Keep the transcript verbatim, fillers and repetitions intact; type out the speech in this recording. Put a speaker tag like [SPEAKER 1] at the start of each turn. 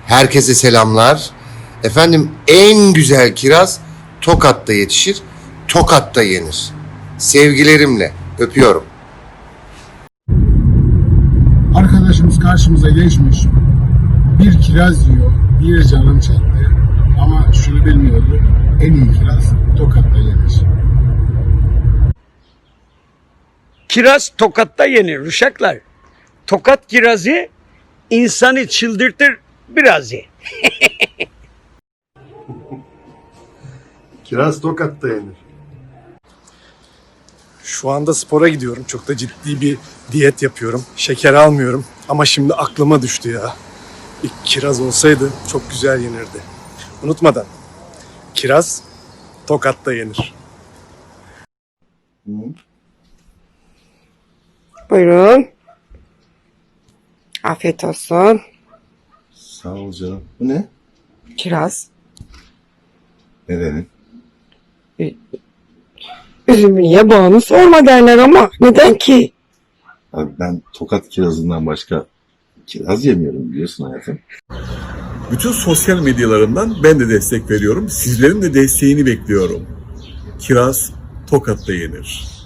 [SPEAKER 1] Herkese selamlar. Efendim en güzel kiraz Tokat'ta yetişir, Tokat'ta yenir. Sevgilerimle öpüyorum.
[SPEAKER 2] Arkadaşımız karşımıza geçmiş. Bir kiraz yiyor, bir canım çekti. Ama şunu bilmiyordu, en iyi kiraz Tokat'ta yenir.
[SPEAKER 3] Kiraz Tokat'ta yenir uşaklar. Tokat kirazı insanı çıldırtır biraz ye.
[SPEAKER 4] Kiraz Tokat'ta yenir.
[SPEAKER 5] Şu anda spora gidiyorum. Çok da ciddi bir diyet yapıyorum. Şeker almıyorum. Ama şimdi aklıma düştü ya. Bir kiraz olsaydı çok güzel yenirdi. Unutmadan. Kiraz Tokat'ta yenir.
[SPEAKER 6] Buyurun. Afiyet olsun.
[SPEAKER 4] Sağ ol canım. Bu ne?
[SPEAKER 6] Kiraz.
[SPEAKER 4] Nedenin?
[SPEAKER 6] Üzümü niye bağını sorma derler ama neden ki?
[SPEAKER 4] Abi ben Tokat kirazından başka kiraz yemiyorum biliyorsun hayatım.
[SPEAKER 7] Bütün sosyal medyalarından ben de destek veriyorum. Sizlerin de desteğini bekliyorum. Kiraz Tokat'ta yenir.